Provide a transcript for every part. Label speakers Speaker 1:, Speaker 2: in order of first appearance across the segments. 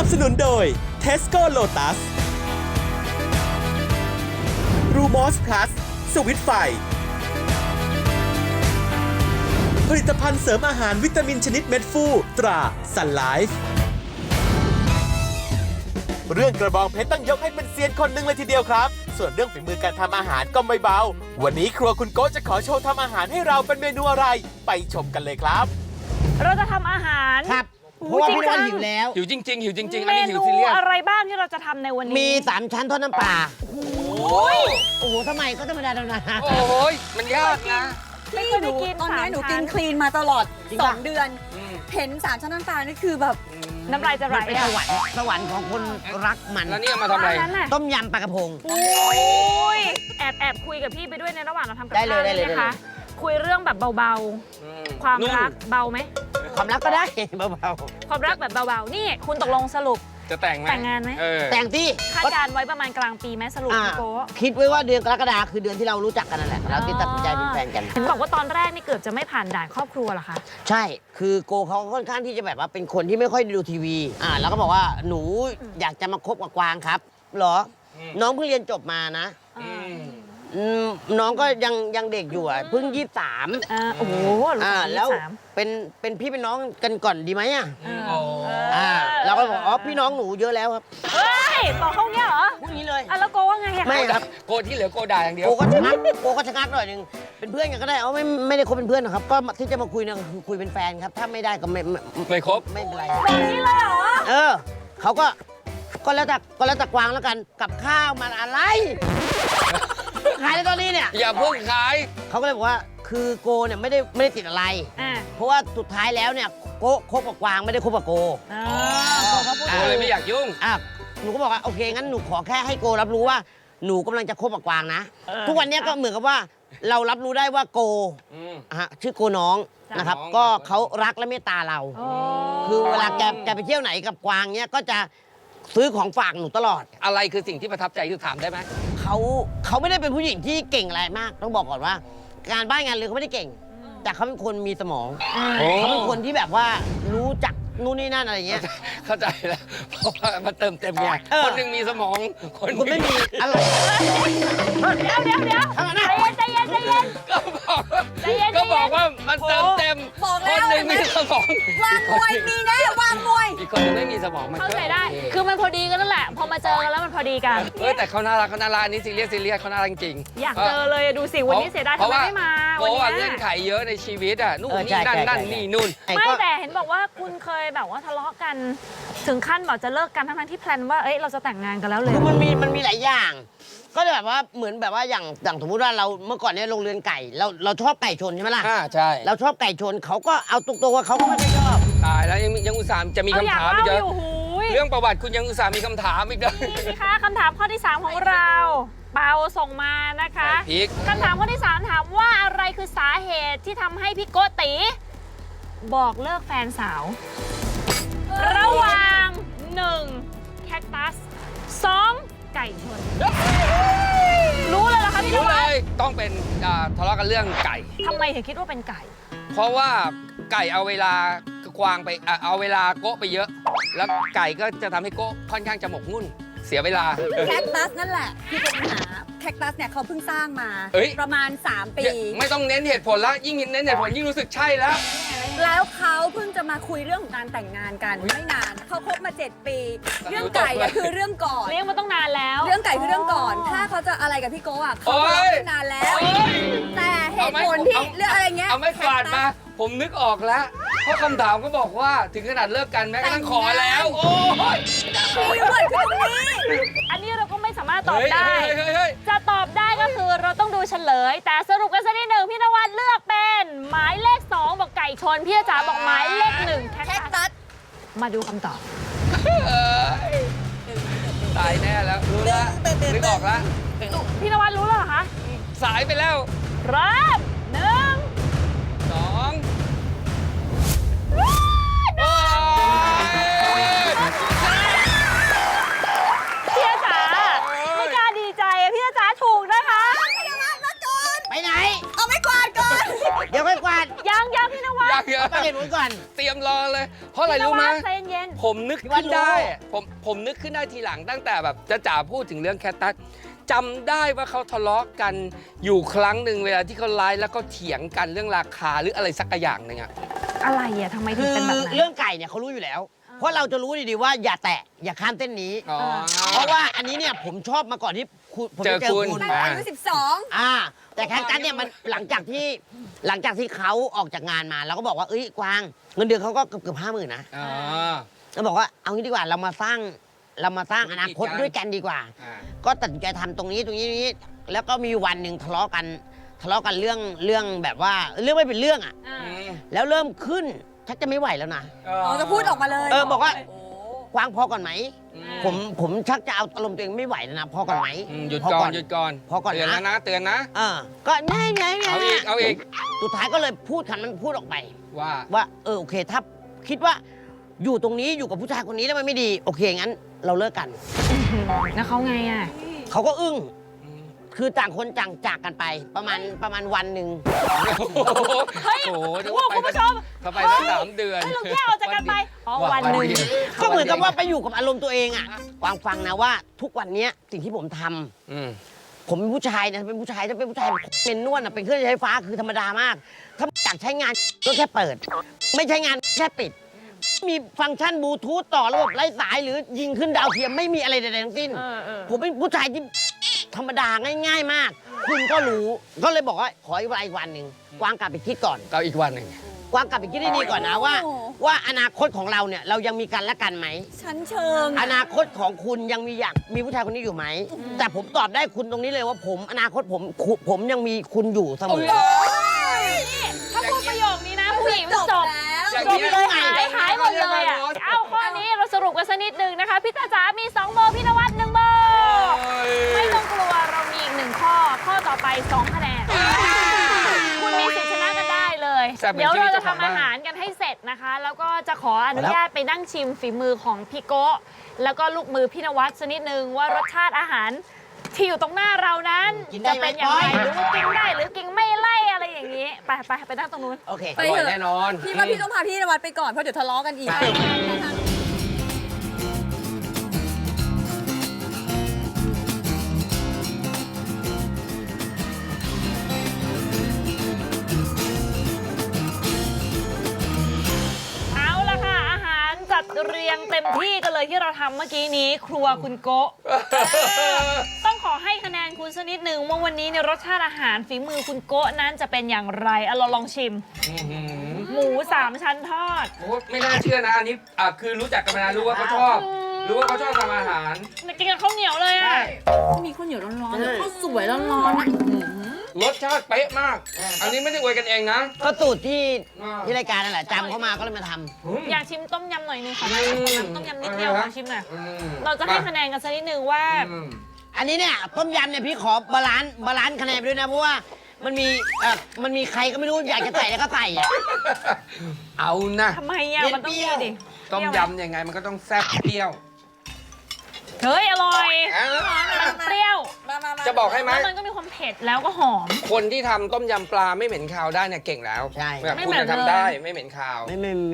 Speaker 1: บสนุนโดย Tesco Lotus Rumos Plus สวิตไฟผลิตภัณฑ์เสริมอาหารวิตามินชนิดเม็ดฟูตรา Sun Life เรื่องกระบองเพชรต้องยกให้เป็นเซียนคนหนึ่งเลยทีเดียวครับ ส่วนเรื่องฝีมือการทำอาหารก็ไม่เบา วันนี้ครัวคุณโก้จะขอโชว์ทำอาหารให้เราเป็นเมนูอะไร ไปชมกันเลยครับ
Speaker 2: เราจะทำอาหาร
Speaker 3: ครับเพราะว่าพี่นวัดหิวแล้ว
Speaker 4: หิวจริงๆหิวจริงๆ
Speaker 2: เม
Speaker 4: อันนี้หิว
Speaker 2: นู
Speaker 4: ซีเรียส
Speaker 2: อะไรบ้างที่เราจะทำในวันนี้
Speaker 3: มี3ชั้นทอดน้ำปลา
Speaker 2: โอ้ย
Speaker 3: โอ้โหทำไมก็ธรรมดาธรรมดา
Speaker 4: โอ้โหมันยากนะ
Speaker 2: ไม่เคยได้กิน
Speaker 5: ตอนนี้หนู
Speaker 2: สาม
Speaker 5: กิ
Speaker 2: ชั้
Speaker 5: น
Speaker 2: น
Speaker 5: คลีนมาตลอด
Speaker 3: จริงปะ
Speaker 5: 2 เดือน เห็น3 ชั้นน้ำตาลนี่คือแบบ
Speaker 2: น้ำลายจะไหล
Speaker 3: มันเป็น
Speaker 2: อะ
Speaker 3: สวรรค์ของคนรักมัน
Speaker 4: แล้วนี่เอามาทำอะไร
Speaker 2: อันนั้นน่ะ
Speaker 3: ต้มยำปลากระพง
Speaker 2: โอ้ยแอบคุยกับพี่ไปด้วยในระหว่างเราทำกับ
Speaker 3: ได้
Speaker 2: ข้าว
Speaker 3: เลยได้เลย
Speaker 2: นะคะ คุยเรื่องแบบเบาๆ ความรักเบาไหม
Speaker 3: ความรักก็ได้เบา
Speaker 2: ความรักแบบเบาๆ นี่คุณตกลงสรุป
Speaker 4: จะแต่งไหม
Speaker 2: แต่งงานไหม
Speaker 3: ๆแต่งที่
Speaker 2: คาดการณ์ไว้ประมาณกลางปีไหมสรุป
Speaker 3: อ่า
Speaker 2: พี่โก้
Speaker 3: คิดไว้ว่าเดือนกรกฎาคมคือเดือนที่เรารู้จักกันนั่นแหละเราที่ตัดสินใจเป็นแฟนกัน
Speaker 2: เห็นบอกว่าตอนแรกนี่เกือบจะไม่ผ่านด่านครอบครัวเหรอคะ
Speaker 3: ใช่ คือโกเขาค่อนข้างที่จะแบบว่าเป็นคนที่ไม่ค่อยดูทีวีแล้วก็บอกว่าหนูอยากจะมาคบกับกวางครับเหรอ น้องเพิ่งเรียนจบมานะน้องก็ยังเด็กอยู่เพิ่ง23
Speaker 2: โอ้โหลูกสาว
Speaker 3: แล้ว
Speaker 2: 23
Speaker 3: เป็นพี่เป็นน้องกันก่อนดีไหม
Speaker 4: โอ้
Speaker 2: เอ
Speaker 3: เราก็บอกอ๋อพี่น้องหนูเยอะแล้วครับ
Speaker 2: เฮ้ยบอกเขาเงี้ยเหรอ
Speaker 3: พูดงี้เลย
Speaker 2: แล้วโกว่าไงอะ
Speaker 3: ไม่ครับ
Speaker 4: โกที่เหลือโกด่าอย่างเดียว
Speaker 3: โกก็ชะงักหน่อยหนึงเป็นเพื่อนกันก็ได้เอาไม่ได้คบเป็นเพื่อนหรอกครับ ก็ที่จะมาคุยเนี่ยคือคุยเป็นแฟนครับ ถ้าไม่ได้ก็
Speaker 4: ไม่ครบ
Speaker 3: ไม่เป็นไร
Speaker 2: แบบนี้เลยเหรอ
Speaker 3: เขาก็แล้วแต่กวางแล้วกันกับข้าวมันอะไรขายในตอนนี้เนี่ย
Speaker 4: อย่าเพิ่งขาย
Speaker 3: เขาก็เลยบอกว่าคือโกเนี่ยไม่ได้ติดอะไร
Speaker 2: อ่า
Speaker 3: เพราะว่าสุดท้ายแล้วเนี่ยโกคบกับกวางไม่ได้คบกับโก
Speaker 2: โกเขาพูด
Speaker 4: โกเลยไม่อยากยุ่ง
Speaker 3: หนูก็บอกว่าโอเคงั้นหนูขอแค่ให้โกรับรู้ว่าหนูกำลังจะคบกับกวางนะ ทุกวันเนี้ยก็เหมือนกับว่าเรารับรู้ได้ว่าโกชื่อโกน้องนะครับ ก็เขารักและเมตตาเรา คือเวลาแกไปเที่ยวไหนกับกวางเนี้ยก็จะซื้อของฝากหนูตลอด
Speaker 4: อะไรคือสิ่งที่ประทับใจที่ถามได้ไหม
Speaker 3: เขาไม่ได้เป็นผู้หญิงที่เก่งอะไรมาก ต้องบอกก่อนว่า การบ้านงานเรือนเขาไม่ได้เก่ง แต่เขาเป็นคนมีสมองเขาเป็นคนที่แบบว่ารู้จักนู่นนี่นั่นอะไรเงี้ย
Speaker 4: เข้าใจแล้วเพราะว่ามันเติมเต็มไงคนหนึ่งมีสมอง คนห
Speaker 3: คุณ
Speaker 4: นึ่ง
Speaker 3: ไม่มีอะไร
Speaker 2: เดี๋ยวใจเย็น
Speaker 4: ก็บอกว่ามันเติมเต็ม
Speaker 5: บอก
Speaker 4: ค
Speaker 5: แล้
Speaker 4: น
Speaker 5: ว
Speaker 4: หนึ่งมีสมอง
Speaker 5: วางมวยมีแน่วางมวย
Speaker 4: อีกคนหนึ่งไม่มีสมองมัน
Speaker 2: เข้าใจได้
Speaker 4: โอเค
Speaker 2: คือมันพอดีกันนั่นแหละ พอมาเจอกันแล้วมันพอดีกัน
Speaker 4: แต่เขาน่ารักอันนี้ซีเรียสเขาน่ารักจริง
Speaker 2: อยากเจอเลยดูสิวันนี้เสียดายทำไมไม่มา
Speaker 4: เพ
Speaker 2: วัน
Speaker 4: ราะว่า
Speaker 2: นี้
Speaker 4: เงื่อนไขเยอะในชีวิตนู่น
Speaker 3: ใช่
Speaker 4: นี่นั่น
Speaker 3: ใช่
Speaker 4: นี่นู่น
Speaker 2: ไม่แต่เห็นบอกว่าคุณเคยแบบว่าทะเลาะกัน ถึงขั้นบอกจะเลิกกันทั้งที่แพลนว่าเอ้ยเราจะแต่งงานกันแล้วเลย
Speaker 3: คือมันมีหลายอย่าง ก็แบบว่าเหมือนแบบว่าอย่างสมมติว่าเราเมื่อก่อนเนี่ยโรงเรือนไก่เราชอบไก่ชนใช่ไหมล่ะ
Speaker 4: ใช่
Speaker 3: เราชอบไก่ชนเขาก็เอาตรงๆว่าเขาก็ไม่ได้ชอบ
Speaker 4: ตายแล้วยังอุตส่าห์จะมี
Speaker 2: เอา
Speaker 4: คำ
Speaker 2: อยาก
Speaker 4: ถามอี
Speaker 2: เล่าก
Speaker 4: เหร
Speaker 2: อยู่
Speaker 4: อ
Speaker 2: หูย
Speaker 4: เรื่องประวัติคุณยังอุตส่าห์มีคำถามอีกเลย
Speaker 2: นี่สิคะคำถามข้อที่ 3 ของเรา เปาส่งมานะคะ
Speaker 4: พีค
Speaker 2: คำถามข้อที่ 3 ถามว่าอะไรคือสาเหตุที่ทำให้พี่โกติบอกเลิกแฟนสาว ระหว่าง 1. แคคตัส 2. ไก่ชน รู้เลยเหรอคะพี่น
Speaker 4: รู้
Speaker 2: วั
Speaker 4: เล
Speaker 2: ด
Speaker 4: ยต้องเป็นทะเลาะกันเรื่องไก่
Speaker 2: ทำไมถึงคิดว่าเป็นไก่
Speaker 4: เพราะว่าไก่เอาเวลากวางไปเอาเวลาโกะไปเยอะ แล้วไก่ก็จะทำให้โกะค่อนข้างจะหมกมุ่นเสียเวลา
Speaker 5: แคคตัสนั่นแหละที่เป็นปัญหาแคคตัสเนี่ยเขาเพิ่งสร้างมา
Speaker 4: เอ้ย
Speaker 5: ประมาณ 3 ปี
Speaker 4: ไม่ต้องเน้นเหตุผลแล้วยิ่งเน้นเหตุผลยิ่งรู้สึกใช่แล้ว
Speaker 5: แล้วเขาเพิ่งจะมาคุยเรื่องของการแต่งงานกันไม่นานเขาคบมา 7 ปี เรื่องไก่อะคือเรื่องก่อน
Speaker 2: เลี้ยงมาต้องนานแล้ว
Speaker 5: เรื่องไก่คือเรื่องก่อน ถ้าเขาจะอะไรกับพี่โก้อะเขาทะเลาะกันนานแล้ว แต่เหตุผลที่เรื่องอะไรเงี้ย
Speaker 4: เอาไม่กวาดมา ผมนึกออกแล้ว เพราะคำถามก็บอกว่าถึงขนาดเลิกกันแม้กระทั่งขอแล้ว โอ้ย
Speaker 5: คีย์เวิร์ดคือตรงนี้
Speaker 2: อันนี้เราก็ไม่สามารถตอบได้
Speaker 4: เฮ้ย
Speaker 2: จะตอบได้ก็คือเราต้องดูเฉลย แต่สรุปกันสักนิดหนึ่งพี่นวัดเลือกเป็นหมายเลข 2 บอกไก่ชน พี่จ๋าบอกหมายเลข 1 แค
Speaker 5: แค
Speaker 2: ค
Speaker 5: ค
Speaker 2: ตั
Speaker 5: ตั
Speaker 2: ส
Speaker 5: ส
Speaker 2: มาดูคำตอบ
Speaker 4: ตายแน่แล้ว รู้แล้วนึกออกแล้ว
Speaker 2: พี่นวัดรู้แล้วเหรอคะ
Speaker 4: สายไปแล้ว
Speaker 2: เริ่ม1
Speaker 4: 2โอ้ย
Speaker 2: พี่จ๋าไม่กล้าดีใจอะพี่จ๋าถูกนะคะ
Speaker 3: ไปไหน
Speaker 5: เอาไม่กวาดก่อน
Speaker 3: เดี๋ยวค่อยกวาด
Speaker 2: ยังพี่นวัด
Speaker 4: อยากเยอะ
Speaker 3: ต้องเหตุนู้นก่อน
Speaker 4: เตรียมรอเลย เพราะอะไรรู้ไหม
Speaker 2: พี่นวัดใจเย็น
Speaker 4: ผมนึกขึ้นได้ผมนึกขึ้นได้ทีหลังตั้งแต่แบบจ๋าพูดถึงเรื่องแคทตัสจำได้ว่าเขาทะเลาะกันอยู่ครั้งหนึ่งเวลาที่เขาไลฟ์แล้วก็เถียงกันเรื่องราคาหรืออะไรสักอย่างหนึ่งอะ
Speaker 2: อะไรอ่ะทำไมถึ
Speaker 3: คื
Speaker 2: ง
Speaker 3: อ
Speaker 2: เป็นแบบนั้น
Speaker 3: เรื่องไก่เนี่ยเขารู้อยู่แล้ว เพราะเราจะรู้ดีๆว่าอย่าแตะอย่าข้ามเส้นนี้ เพราะว่าอันนี้เนี่ยผมชอบมาก่อนที่ผมจะเจอคุณ
Speaker 5: ตั้งแต่อายุ12
Speaker 3: แต่แคคตัสเนี่ยมันหลังจากที่เขาออกจากงานมาเราก็บอกว่าเอ้ยกวางเงินเดือนเขาก็เกือบ50,000นะเราบอกว่าเอางี้ดีกว่าเรามาสร้างอนาคตด้วยกันดีกว่า ก็ตัดสินใจทำตรงนี้แล้วก็มีวันหนึ่งทะเลาะกันเรื่องแบบว่าเรื่องไม่เป็นเรื่องอ่ะ แล้วเริ่มขึ้นชักจะไม่ไหวแล้วนะ
Speaker 5: อ๋อจะพูดออกมาเลย
Speaker 3: บอกว่า
Speaker 5: โอ้
Speaker 3: กวางพอก่อนไหม ผมชักจะเอาอารมณ์ตัวเองไม่ไหวแล้วนะพอก่อนไหม
Speaker 4: หยุด
Speaker 3: พ
Speaker 4: ก่อนหยุดก่อน
Speaker 3: พอก่อน
Speaker 4: เตือนแล้ว
Speaker 3: นะ
Speaker 4: นะเตือนนะ
Speaker 3: ก็ไง
Speaker 4: เอาอีก
Speaker 3: สุดท้ายก็เลยพูดคำนั้นพูดออกไป
Speaker 4: ว่า
Speaker 3: ว่าโอเคถ้าคิดว่าอยู่ตรงนี้อยู่กับผู้ชายคนนี้แล้วมันไม่ดีโอเคงั้นเราเลิกกัน
Speaker 2: แล้วเขาไงอ่ะ
Speaker 3: เขาก็อึ้งคือต่างคนต่างจากกันไปประมาณวันหนึ่ง
Speaker 2: เฮ้ย
Speaker 4: โอ้โห
Speaker 2: โอ้โหคุณผู้ชม
Speaker 4: เขาไปตั้ง3 เดือน
Speaker 2: เฮ้ยเราแยกออกจากกันไปอ๋อวันหนึ่ง
Speaker 4: เดียว
Speaker 3: ก็เหมือนกับว่าไปอยู่กับอารมณ์ตัวเองอ่ะกวางฟังนะว่าทุกวันเนี้ยสิ่งที่ผมทำ
Speaker 4: อืม
Speaker 3: ผมเป็นผู้ชายนะเป็นผู้ชายถ้าเป็นผู้ชายเป็นนวดนะเป็นเครื่องใช้ไฟฟ้าคือธรรมดามาก ถ้าอยากใช้งานก็แค่เปิด ไม่ใช้งานแค่ปิด มีฟังก์ชันบลูทูธต่อระบบไร้สายหรือยิงขึ้นดาวเทียมไม่มีอะไรใดๆทั้งสิ้น ผมเป็นผู้ชายที่ธรรมดาง่าย ๆ มาก คุณก็รู้ก็เลยบอกว่าขออีกวันหนึ่งกวางกลับไปคิดก่อน
Speaker 4: เราอีกวันหนึ่ง
Speaker 3: กวางกลับไปคิดให้ดีก่อนนะว่าอนาคตของเราเนี่ยเรายังมีกันและกันไหม
Speaker 5: ชั้นเชิง
Speaker 3: อนาคตของคุณยังมีผู้ชายคนนี้อยู่ไหม แต่ผมตอบได้คุณตรงนี้เลยว่าอนาคตผมยังมีคุณอยู่เสมอ
Speaker 2: ถ้าพูดประโยคนี้นะผู้หญิงจบ
Speaker 5: แล้ว
Speaker 2: จบเลยหายหมดเลยอ่ะ เอ้าข้อนี้เราสรุปกันสักนิดหนึ่งนะคะ พี่ตาจ๋ามี2โบพี่นวัด1โบไม่ต้องกลัวเรามีอีก1ข้อ ข้อต่อไป2คะแนน คุณมีสิทธิ์ชนะกันได้เลย เดี๋ยวเราจะทำอาหารกันให้เสร็จนะคะ แล้วก็จะขออนุญาตไปนั่งชิมฝีมือของพี่โกะแล้วก็ลูกมือพี่นวัดสักนิดนึงว่ารสชาติอาหารที่อยู่ตรงหน้าเรานั้น
Speaker 3: กินได้
Speaker 2: จะ
Speaker 3: ไหม
Speaker 2: เป็นอย่างไร
Speaker 3: ก้อย
Speaker 2: หรือว่ากินได้หรือกินไม่ไล่อะไรอย่างนี้ ไปนั่งตรงนู้น
Speaker 3: โอเค
Speaker 5: ไป
Speaker 4: อร่อย
Speaker 5: เถอะ
Speaker 4: แน่นอน
Speaker 5: พี่ว่าพี่ต้องพาพี่นวัดไปก่อน เพราะเดี๋ยวทะเลาะกันอีก
Speaker 2: เอาละค่ะ อาหารจัดเรียงเต็มที่กันเลยที่เราทำเมื่อกี้นี้ ครัวคุณโกะต้องขอให้คะแนนคุณสักนิดนึงว่าวันนี้เนี่ยรสชาติอาหารฝีมือคุณโกะนั้นจะเป็นอย่างไรเราลองชิม หมู3 ชั้นทอด
Speaker 4: โอ้ไม่น่าเชื่อนะอันนี้คือรู้จักกันมานานรู้ว่าเขาชอบ รู้ว่าเขาชอบทำอาหาร
Speaker 2: กินกับข้าวเหนียวเลยอ่ะ
Speaker 5: มีข้าวเหนียวร้อนๆข้าวสวยร้อนๆอะ
Speaker 4: รสชาติเป๊ะมาก อันนี้ไม่ได้อวยกันเองนะ
Speaker 3: ก็สูตรที่รายการนั่นแหละจำเข้ามาก็เลยมาทำ
Speaker 2: อยากชิมต้มยำหน่อยนึงค่ะ
Speaker 4: อืม
Speaker 2: ต้มยำนิดเดียวขอชิมหน่อย
Speaker 4: อืม
Speaker 2: เราจะให้คะแนนกันสักนิดนึงว่า
Speaker 4: อืม
Speaker 3: อันนี้เนี่ยต้มยำเนี่ยพี่ขอบาลานซ์คะแนนไปด้วยนะเพราะว่ามันมีใครก็ไม่รู้อยากจะใส่แล้วก็ใส่อะ
Speaker 4: เอานะ
Speaker 2: ทำไมอ่ะมันต้องมีดิ
Speaker 4: ต้มยำยังไงมันก็ต้องแซ่บเปรี้ยว
Speaker 2: เฮ้ย อร่อย
Speaker 4: อ่ะ
Speaker 2: มันเปรี้ยว
Speaker 5: มา
Speaker 4: จะบอกให้ไหม
Speaker 2: แล้วมันก็มีความเผ็ดแล้วก็หอม
Speaker 4: คนที่ทำต้มยำปลาไม่เหม็นคาวได้เนี่ยเก่งแล้ว
Speaker 3: ใช่
Speaker 4: แบบ
Speaker 2: ไม่
Speaker 4: คุณ
Speaker 2: เหม็น
Speaker 4: จะ
Speaker 2: เลย
Speaker 4: ทำได้ไม่เหม็นคาว
Speaker 3: ไม่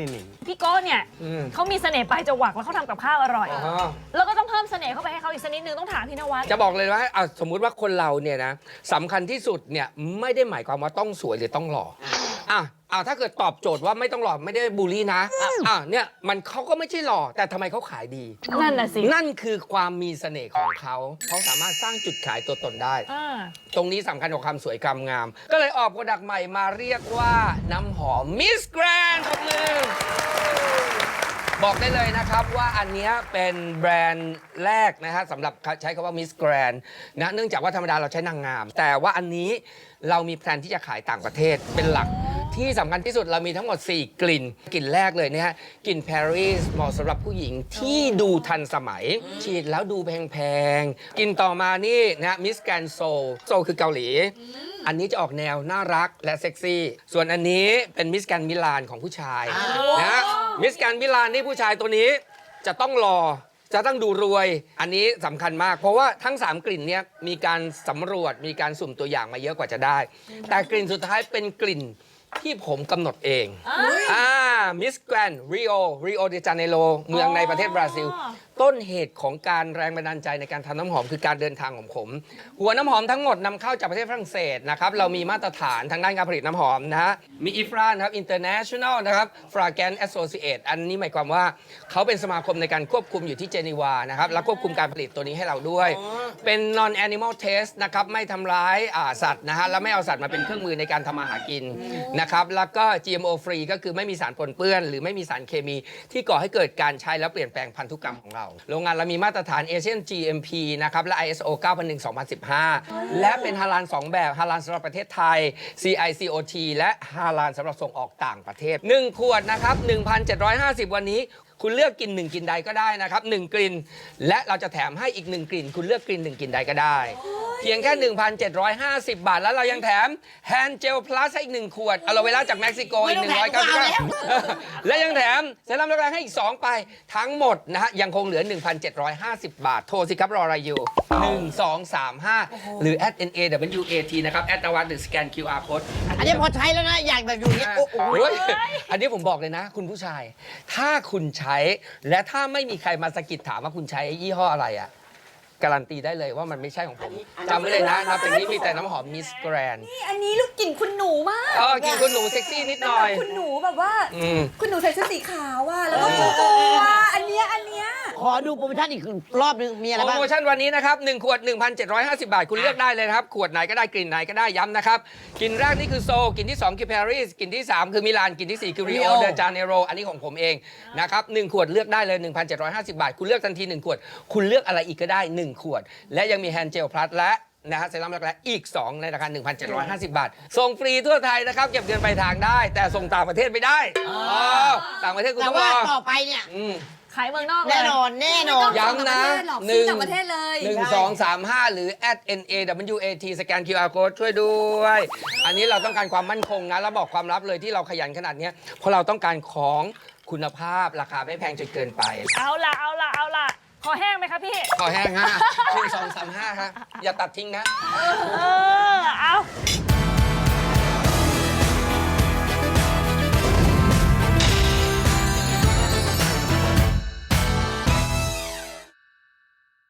Speaker 2: พี่โก้เนี่ย
Speaker 4: อืม
Speaker 2: เขามีเสน่ห์ปลายจวักแล้วเขาทำกับข้าวอร่อย
Speaker 4: อ๋อ
Speaker 2: แล้วก็ต้องเพิ่มเสน่ห์เข้าไปให้เขาอีกสักนิดนึงต้องถามพี่นวัด
Speaker 4: จะบอกเลยว่าสมมุติว่าคนเราเนี่ยนะสำคัญที่สุดเนี่ยไม่ได้หมายความว่าต้องสวยหรือต้องหล่อถ้าเกิดตอบโจทย์ว่าไม่ต้องหล่อไม่ได้บูลลี่นะเนี่ยมันเขาก็ไม่ใช่หล่อแต่ทำไมเขาขายดี
Speaker 2: นั่นน่ะสิ
Speaker 4: นั่นคือความมีเสน่ห์ของเขาสามารถสร้างจุดขายตัวตนได้
Speaker 2: อ่า
Speaker 4: ตรงนี้สำคัญกว่าความสวยความงาม ก็เลยออกโปรดักต์ใหม่มาเรียกว่าน้ำหอมมิสแกรนด์ของมือบอกได้เลยนะครับว่าอันเนี้ยเป็นแบรนด์แรกนะฮะสำหรับใช้คำว่ามิสแกรนด์นะเนื่องจากว่าธรรมดาเราใช้นางงาม แต่ว่าอันนี้เรามีแพลนที่จะขายต่างประเทศเป็นหลักที่สำคัญที่สุดเรามีทั้งหมด 4 กลิ่นกลิ่นแรกเลยเนี่ยฮะกลิ่นปารีสเหมาะสำหรับผู้หญิงที่ดูทันสมัย ฉีดแล้วดูแพงๆกลิ่นต่อมานี่นะมิสแกรนด์โซลคือเกาหลี อันนี้จะออกแนวน่ารักและเซ็กซี่ ส่วนอันนี้เป็นมิสแกรนด์มิลานของผู้ชายนะมิสแกรนด์มิลานนี่ผู้ชายตัวนี้จะต้องหล่อจะต้องดูรวย อันนี้สำคัญมาก เพราะว่าทั้ง 3 กลิ่นเนี้ยมีการสำรวจมีการสุ่มตัวอย่างมาเยอะกว่าจะได้ แต่กลิ่นสุดท้ายเป็นกลิ่นที่ผมกำหนดเองมิสแกรนริโอเดจาเนโรเมืองในประเทศบราซิล ต้นเหตุของการแรงบันดาลใจในการทำน้ำหอมคือการเดินทางของผม หัวน้ำหอมทั้งหมดนำเข้าจากประเทศฝรั่งเศสนะครับเรามีมาตรฐานทางด้านการผลิตน้ำหอมนะฮะมีอิฟรานครับ International นะครับ Fragrance Associate อันนี้หมายความว่าเขาเป็นสมาคมในการควบคุมอยู่ที่เจนีวานะครับและควบคุมการผลิตตัวนี้ให้เราด้วย เป็น non animal test นะครับไม่ทำร้ายสัตว์นะฮะและไม่เอาสัตว์มาเป็นเครื่องมือในการทำมาหากินนะครับแล้วก็ GMO free ก็คือไม่มีสารปนเปื้อนหรือไม่มีสารเคมีที่ก่อให้เกิดการใช้แล้วเปลี่ยนแปลงพันธุกรรมของเราโรงงานเรามีมาตรฐาน Asian GMP นะครับและ ISO 9001:2015 และเป็นฮาลาล2แบบฮาลาลสำหรับประเทศไทย CICOT และฮาลาลสำหรับส่งออกต่างประเทศ1ขวดนะครับ 1,750 วันนี้คุณเลือกกิน1กลิ่นใดก็ได้นะครับ1กลิ่นและเราจะแถมให้อีก1กลิ่นคุณเลือกกลิ่น1กลิ่นใดก็ได้เพียงแค่ 1,750 บาทแล้วเรายังแถมแฮนด์เจลพลัสให้อีก1ขวดอะโลเวล่าจากเม็กซิโกอีก199และยังแถมเซรั่มรักแร้ให้อีก2ไปทั้งหมดนะฮะยังคงเหลือ 1,750 บาทโทรสิครับรออะไรอยู่1235หรือ @NAWAT นะครับนวัดหรือสแกน QR code
Speaker 3: อันนี้พอใช้แล้วนะ อยากแบบอยู่อย่างเงี้ยโอ้โห
Speaker 4: โอ้ยอันนี้ผมบอกเลยนะ คุณผู้ชาย ถ้าคุณใช้และถ้าไม่มีใครมาสะกิดถามว่าคุณใช้ยี่ห้ออะไรอ่ะการันตีได้เลยว่ามันไม่ใช่ของผมจำไว้เลยนะนับจากนี้มีแต่น้ำหอมมิสแกรน
Speaker 5: นี่อันนี้ลูกกลิ่นคุณหนูมาก
Speaker 4: กินคุณหนูเซ็กซี่นิดหน่อย
Speaker 5: คุณหนูแบบว่า
Speaker 4: ม
Speaker 5: คุณหนูใส่เสื้อสีขาวอ่ะแล้วก็โกโก้อ่ะอันเนี้ย
Speaker 3: ขอดูโปรโมชั่นอีกรอบนึง มีอะไร
Speaker 4: โปร
Speaker 3: บ้าง
Speaker 4: โมชั่นวันนี้นะครับ1ขวด 1,750 บาท คุณเลือกได้เลยนะครับ ขวดไหนก็ได้กลิ่นไหนก็ได้ย้ำนะครับกลิ่นแรกนี่คือโซลกลิ่นที่ 2 คือปารีสกลิ่นที่ 3 คือมิลานกลิ่นที่ 4 คือริโอ
Speaker 3: Rio
Speaker 4: เดจาเนโรอันนี้ของผมเองนะครับ1ขวดเลือกได้เลย 1,750 บาท คุณเลือกทันที1ขวดคุณเลือกอะไรอีกก็ได้1ขวดและยังมีแฮนด์เจลพลัสและนะฮะเซรั่มรักแร้อีก 2 ในราคา 1,750 บาท ส่งฟรีทั่วไทยนะครับ เก็บเงินปลายทางได้ แต่ส่งต่างประเทศไม่ได้ต่างประเทศคุณ
Speaker 3: แต่
Speaker 4: ต้องร
Speaker 3: ว่า
Speaker 4: อ
Speaker 3: ต่อไปเนี่ย
Speaker 2: ขายเมืองนอกเลย
Speaker 3: แน่นอนแน่นอน
Speaker 4: ย้ำนะ
Speaker 5: ซื้อต่างประเทศเลย
Speaker 4: 1235 หรือ @NAWAT สแกน QR code ช่วยด้วย อันนี้เราต้องการความมั่นคงนะ แล้วบอกความลับเลยที่เราขยันขนาดเนี้ยเพราะเราต้องการของคุณภาพราคาไม่แพงจนเกินไป
Speaker 2: เอาล่ะคอแห้งไหมคะพี่
Speaker 4: ขอแห้งฮะ1235ครับอย่าตัดทิ้งนะ
Speaker 2: เอา